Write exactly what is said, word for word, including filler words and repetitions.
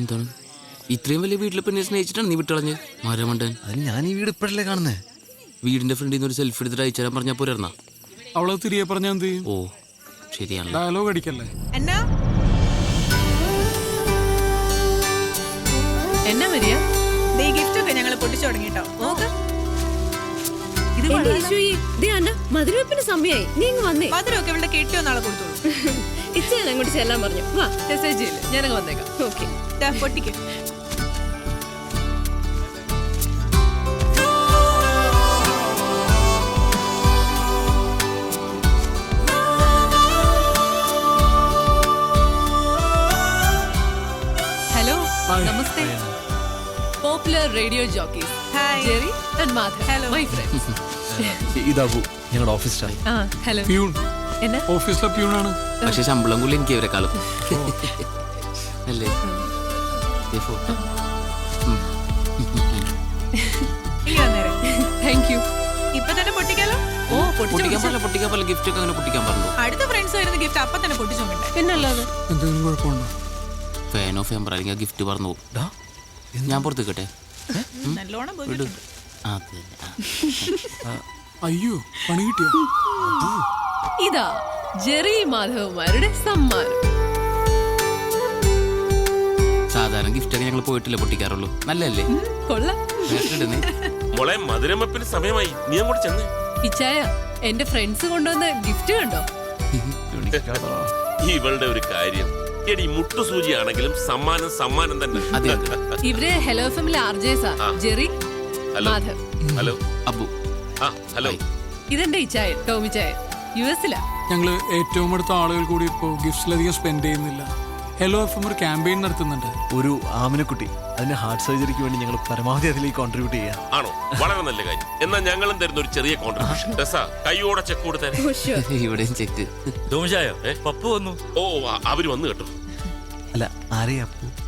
എന്താണ് ഇത്രയും വലിയ വീട്ടിൽ പിന്നെ സ്നേഹിച്ചിട്ടാണ് നീ വിട്ടളഞ്ഞ് മരമണ്ടൻ? അതിന് ഞാൻ ഈ വീട് ഇപ്പോഴല്ലേ കാണുന്നേ. വീടിന്റെ ഫ്രണ്ടിൽ നിന്ന് ഒരു സെൽഫി എടുത്തിട്ട് അയച്ചു തരാൻ പറഞ്ഞാൽ പോരാ? അവളെ തിരികെ പറഞ്ഞാൽ എന്ത് ചെയ്യും? ഓ ശരിയാണ്. ഡയലോഗ് അടിക്കല്ലേ. എന്നാ എന്നാ വരിക? ഗിഫ്റ്റ് ഒക്കെ ഞങ്ങൾ പൊട്ടിച്ചു തുടങ്ങിട്ടോ. നോക്ക്, മധുരവെപ്പിന് സമയായി. നീ ഇങ്ങ് വന്നേ. മധുരമൊക്കെ ഇവിടെ കെട്ടിയോ നാളെ കൊടുത്തോളൂ. ഇച്ച ഞാൻ അങ്ങോട്ട് ചെല്ലാൻ പറഞ്ഞു. വാ, മെസ്സേജ് ചെയ്യില്ല, ഞാനങ്ങ് വന്നേക്കാം. ഓക്കെ, പൊട്ടിക്ക്. ഹലോ, നമസ്തേ. Popular radio jockeys Jerry and Madhav. Hello my friends. ഇതാവൂ ഞങ്ങളുടെ ഓഫീസ് സ്റ്റാഫ്. ആ ഹലോ. പ്യൂൺ. എന്നാ? ഓഫീസിലെ പ്യൂണാണ്. പക്ഷെ ശമ്പളം കൂടി എനിക്ക് ഇവരെക്കാളും അല്ലേ? Photo thank you. ഇപ്പൊ തന്നെ പൊട്ടിക്കാലോ. ഓ, പൊട്ടിക്കാൻ പോലെ പൊട്ടിക്കാൻ പോലെ ഗിഫ്റ്റ് ഒക്കെ അങ്ങനെ പൊട്ടിക്കാൻ പറഞ്ഞു. അടുത്ത ഫ്രണ്ട്സ് വരുന്ന ഗിഫ്റ്റ് അപ്പൊ തന്നെ പൊട്ടിച്ചു നോക്കണ്ടേ? പിന്നല്ലാതെ. എന്തെങ്കിലും കുഴപ്പമുണ്ടോ? ഫാൻ ഓഫ് ചെയ്യാൻ പറയുക ഗിഫ്റ്റ് പറഞ്ഞു പോകും. ഞാൻ പുറത്ത് കേട്ടെ. നല്ലോണം വിടു. പോയിട്ടുണ്ട്. അതെ. അയ്യോ, പണി കിട്ടിയോ? ഇതാ ജെറി മാധവന്മാരുടെ സമ്മാനം. സാധാരണ ഗിഫ്റ്റ് ഒക്കെ ഞങ്ങൾ പോയിട്ടില്ല പൊട്ടിക്കാറുള്ളൂ. നല്ലല്ലേ? കൊള്ളാം. മോളെ മധുരമപ്പിന് സമയമായി, നീ അങ്ങോട്ട് ചെന്നേ. ഇച്ചായ, എന്റെ ഫ്രണ്ട്സ് കൊണ്ടുവന്ന ഗിഫ്റ്റ് കണ്ടോ? ഇവളുടെ ഒരു കാര്യം, എടി മുട്ടുസൂചി ആണെങ്കിലും സമ്മാനം സമ്മാനം തന്നെ. ഇവര് ഹലോ ഫാമിലി ആർജേസാ. ജെറി, മാധവ്. ഹലോ അബു. ആ ഹലോ. ഇതെന്റെ ഇച്ചായ ടോമി ചായ, യു എസിലാ. ഞങ്ങള് ഏറ്റവും അടുത്ത ആളുകൾ കൂടി ഇപ്പോ ഗിഫ്റ്റ്സിലധികം സ്പെൻഡ് ചെയ്യുന്നില്ല. ഹലോ എഫ് എം ഒരു ക്യാമ്പയിൻ നടത്തുന്നുണ്ട്. ഒരു ആമിനക്കുട്ടി, അതിന്റെ ഹാർട്ട് സർജറിക്ക് വേണ്ടി ഞങ്ങൾ പരമാവധി അതിലേക്ക് കോൺട്രിബ്യൂട്ട് ചെയ്യാം. ആണോ? വളരെ നല്ല കാര്യം. എന്നാൽ ഞങ്ങളും തരുന്ന ഒരു ചെറിയ കോൺട്രിബ്യൂഷൻ. കൈയോടെ ചെക്ക് കൊടുത്തേ. ഇവിടെയും ചെക്ക്. പപ്പു വന്നു. ഓ അവര് വന്നു കേട്ടോ. അല്ല, ആരെയാ അപ്പു?